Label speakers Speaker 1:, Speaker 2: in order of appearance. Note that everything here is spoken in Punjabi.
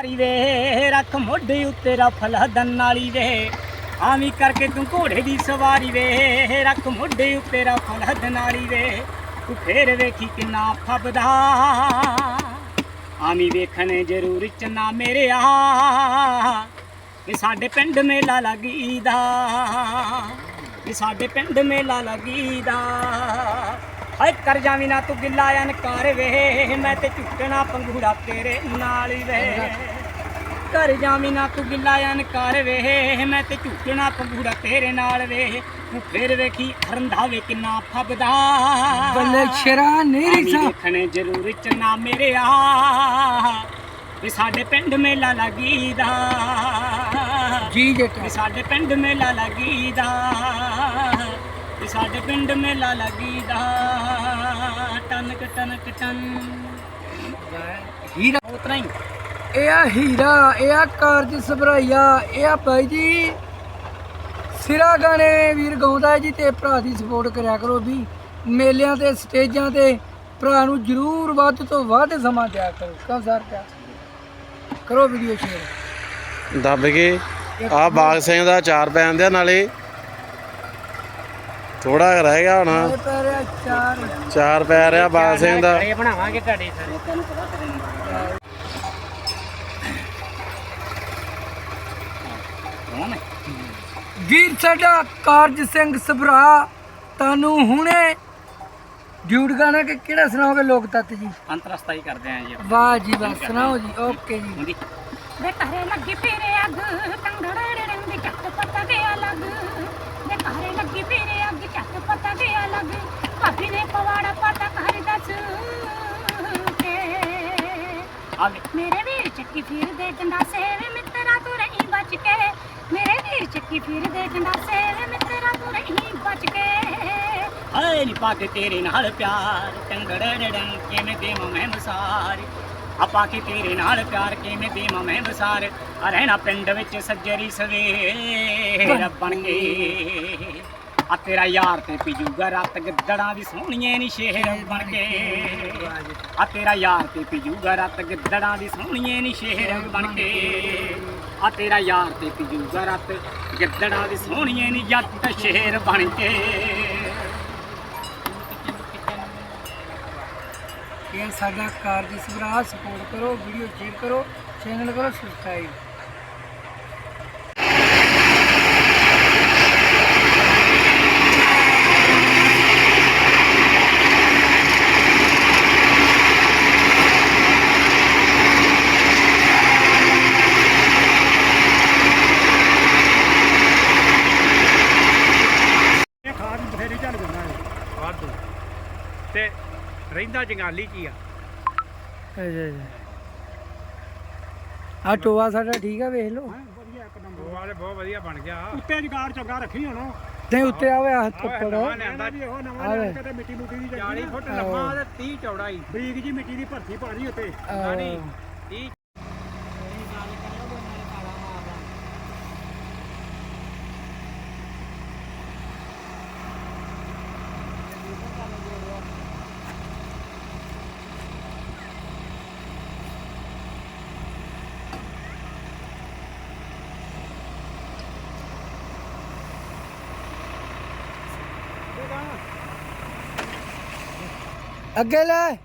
Speaker 1: ਸਵਾਰੀ ਵੇ ਰੱਖ ਮੋਢੇ ਉੱਤੇ ਰਫਲ ਹਦਨ ਵਾਲੀ ਵੇ ਆਵੀਂ ਕਰਕੇ ਤੂੰ ਘੋੜੇ ਦੀ ਸਵਾਰੀ ਵੇ ਰੱਖ ਮੋਢੇ ਉੱਤੇ ਰਫਲ ਹਦਨ ਵਾਲੀ ਵੇ ਤੂੰ ਫੇਰ ਵੇਖੀ ਕਿੰਨਾ ਫੱਬਦਾ ਆਵੀਂ ਵੇਖਣ ਜ਼ਰੂਰ ਚੰਨਾ ਮੇਰੇ ਆ ਇਹ ਸਾਡੇ ਪਿੰਡ ਮੇਲਾ ਲੱਗੀਦਾ ਇਹ ਸਾਡੇ ਪਿੰਡ ਮੇਲਾ ਲੱਗੀਦਾ ਹਾਏ ਕਰ ਜਾਵੀਂ ਨਾ ਤੂੰ ਗਿੱਲਾ ਅਨਕਾਰ ਵੇ ਮੈਂ ਤੇ ਝੁੱਟਣਾ ਪੰਗੂੜਾ ਤੇਰੇ ਨਾਲ ਵੇ ਕਰ ਜਾਵੀਂ ਨਾ ਤੂੰ ਗਿੱਲਾ ਅਨਕਾਰ ਵੇ ਮੈਂ ਤੇ ਝੁੱਟਣਾ ਪੰਗੂੜਾ ਤੇਰੇ ਨਾਲ ਵੇ ਤੂੰ ਫੇਰ ਵੇਖੀ ਰੰਧਾਵੇ ਕਿੰਨਾ ਫੱਬਦਾ
Speaker 2: ਬੱਲੇ ਸ਼ਰਾ ਨਹੀਂ
Speaker 1: ਵੇਖਣੇ ਜ਼ਰੂਰ ਚੰਨਾ ਮੇਰੇ ਆ ਇਹ ਸਾਡੇ ਪਿੰਡ ਮੇਲਾ ਲੱਗੀਦਾ
Speaker 2: ਜੀ ਜੇਟਾ
Speaker 1: ਸਾਡੇ ਪਿੰਡ ਮੇਲਾ ਲੱਗੀਦਾ ਸਾਡੇ ਪਿੰਡ ਮੇਲਾ ਲੱਗੀਦਾ ਟਨਕ ਟਨਕ ਟਨ
Speaker 2: ਹੀਰਾ
Speaker 1: ਉਤਰਾ ਹੀ
Speaker 2: ਇਹ ਆ ਹੀਰਾ ਇਹ ਆ ਕਾਰਜ ਸਭਰਾਈਆ ਇਹ ਆ ਬਾਈ ਜੀ ਸਿਰਾ ਗਾਣੇ ਵੀਰ ਗਾਉਂਦਾ ਜੀ ਤੇ ਭਰਾ ਦੀ ਸਪੋਰਟ ਕਰਿਆ ਕਰੋ ਵੀ ਮੇਲਿਆਂ ਤੇ ਸਟੇਜਾਂ ਤੇ ਭਰਾ ਨੂੰ ਜ਼ਰੂਰ ਵੱਧ ਤੋਂ ਵੱਧ ਸਮਾਂ ਦਿਆ ਕਰੋ ਕਮ ਸਰ ਕਰੋ ਵੀਡੀਓ ਸ਼ੇਅਰ
Speaker 3: ਦੱਬ ਕੇ ਆ ਬਾਗ ਸਿੰਘ ਦਾ ਚਾਰ ਪੈਣ ਦਿਆ ਨਾਲੇ ਥੋੜਾ ਰਹਿ ਗਿਆ ਹੁਣ ਚਾਰ ਪੈ ਰਿਹਾ ਬਾਗ ਸਿੰਘ ਦਾ
Speaker 1: ਇਹ ਬਣਾਵਾਂਗੇ ਤੁਹਾਡੇ ਸਾਰੇ ਤੈਨੂੰ ਪਤਾ ਕਰੇ
Speaker 2: ਵੀਰ ਸਾਡਾ ਕਾਰਜ ਸਿੰਘ ਸਭਰਾ ਤੁਹਾਨੂੰ ਹੁਣੇ ਡਿਊਟ ਗਾਣਾ ਕਿ ਕਿਹੜਾ ਸੁਣਾਓਗੇ ਲੋਕ ਤੱਤ ਜੀ
Speaker 1: ਅੰਤਰਸਤਾ ਹੀ ਕਰਦੇ ਆਂ ਜੀ
Speaker 2: ਵਾਹ ਜੀ ਵਾਹ ਸੁਣਾਓ ਜੀ ਓਕੇ ਜੀ
Speaker 4: ਵੇ ਘਰੇ ਲੱਗੀ ਫੇਰੇ ਅੱਗ ਟੰਗੜੇ ਰੰਗ ਚੱਕ ਪਤਾ ਗਿਆ ਲੱਗ ਵੇ ਘਰੇ ਲੱਗੀ ਫੇਰੇ ਅੱਗ ਚੱਕ ਪਤਾ ਗਿਆ ਲੱਗ ਭਾਬੀ ਨੇ ਪਵਾੜਾ ਪਤਾ ਘਰ ਦੱਸ ਕੇ
Speaker 1: ਆਗੇ
Speaker 4: ਮੇਰੇ ਵੀਰ ਚੱਕੀ ਫਿਰਦੇ ਗੰਡਾਸੇ ਵੇ ਮਿੱਤਰਾ ਤੂੰ ਰਹੀ ਬਚ ਕੇ ਮੇਰੇ ਵੀਰ ਚੱਕੀ ਫਿਰਦੇ ਗੰਡਾਸੇ ਵੇ ਮਿੱਤਰਾ ਤੂੰ ਰਹੀ ਬਚ ਕੇ
Speaker 1: ਹਾਏ ਨੀ ਪਾ ਕੇ ਤੇਰੇ ਨਾਲ ਪਿਆਰ ਟੰਗੜੇ ਡੰ ਕਿਵੇਂ ਦੇਵਾਂ ਮੈਂ ਮਸਾਰ ਆਪਾ ਕੇ ਤੇਰੇ ਨਾਲ ਪਿਆਰ ਕਿਵੇਂ ਦੇਵਾਂ ਮੈਂ ਵਸਾਰ ਆ ਰਹਿਣਾ ਪਿੰਡ ਵਿੱਚ ਸੱਜਰੀ ਸਵੇਰ ਬਣ ਕੇ ਆ ਤੇਰਾ ਯਾਰ ਤੇ ਪੀਜੂਗਾ ਰਾਤ ਗਿੱਦੜਾਂ ਦੀ ਸੋਹਣੀਏ ਨੀ ਸ਼ੇਰ ਬਣ ਕੇ ਆ ਤੇਰਾ ਯਾਰ ਤੇ ਪੀਜੂਗਾ ਰਾਤ ਗਿੱਦੜਾਂ ਦੀ ਸੋਹਣੀਏ ਨੀ ਸ਼ੇਰ ਬਣ ਕੇ ਆ ਤੇਰਾ ਯਾਰ ਤੇ ਪੀਜੂਗਾ ਰਾਤ ਗਿੱਦੜਾਂ ਦੀ ਸੋਹਣੀਏ ਨੀ ਜੱਟ ਸ਼ੇਰ ਬਣ ਕੇ
Speaker 2: ਇਹ ਸਾਡਾ ਕਾਰਜ ਸਭਰਾ ਸਪੋਰਟ ਕਰੋ ਵੀਡੀਓ ਸ਼ੇਅਰ ਕਰੋ ਚੈਨਲ ਕਰੋ ਸਬਸਕ੍ਰਾਈਬ
Speaker 5: ਖਾਦ ਬਥੇਰੀ ਚੱਲ ਜਾਂਦਾ ਹੈ ਵਾਧੂ ਤੇ ਰਹਿੰਦਾ ਜੰਗਾਲੀ ਕੀ ਆ
Speaker 2: ਆ ਟੋਆ ਸਾਡਾ ਠੀਕ ਆ ਵੇਖ ਲਓ
Speaker 5: ਵਧੀਆ ਇੱਕ ਨੰਬਰ ਵਾਲੇ ਬਹੁਤ ਵਧੀਆ ਬਣ ਗਿਆ ਉੱਤੇ ਜਗਾੜ ਚੰਗਾ ਰੱਖੀ ਹੁਣ
Speaker 2: ਤੇ ਉੱਤੇ ਆਵੇ ਹੱਥ ਉੱਪਰ
Speaker 5: ਲਿਆਂਦਾ ਜੀ ਉਹ ਨਵਾਂ ਲਿਆ ਕੇ ਮਿੱਟੀ ਮੁੱਟੀ ਦੀ 40 ਫੁੱਟ ਲੰਮਾ ਤੇ 30 ਚੌੜਾ ਹੀ ਬਰੀਕ ਜੀ ਮਿੱਟੀ ਦੀ ਭਰਤੀ ਭਾਰੀ ਉੱਤੇ
Speaker 2: ਨਹੀਂ
Speaker 5: 30
Speaker 2: ਅੱਗੇ ਲੈ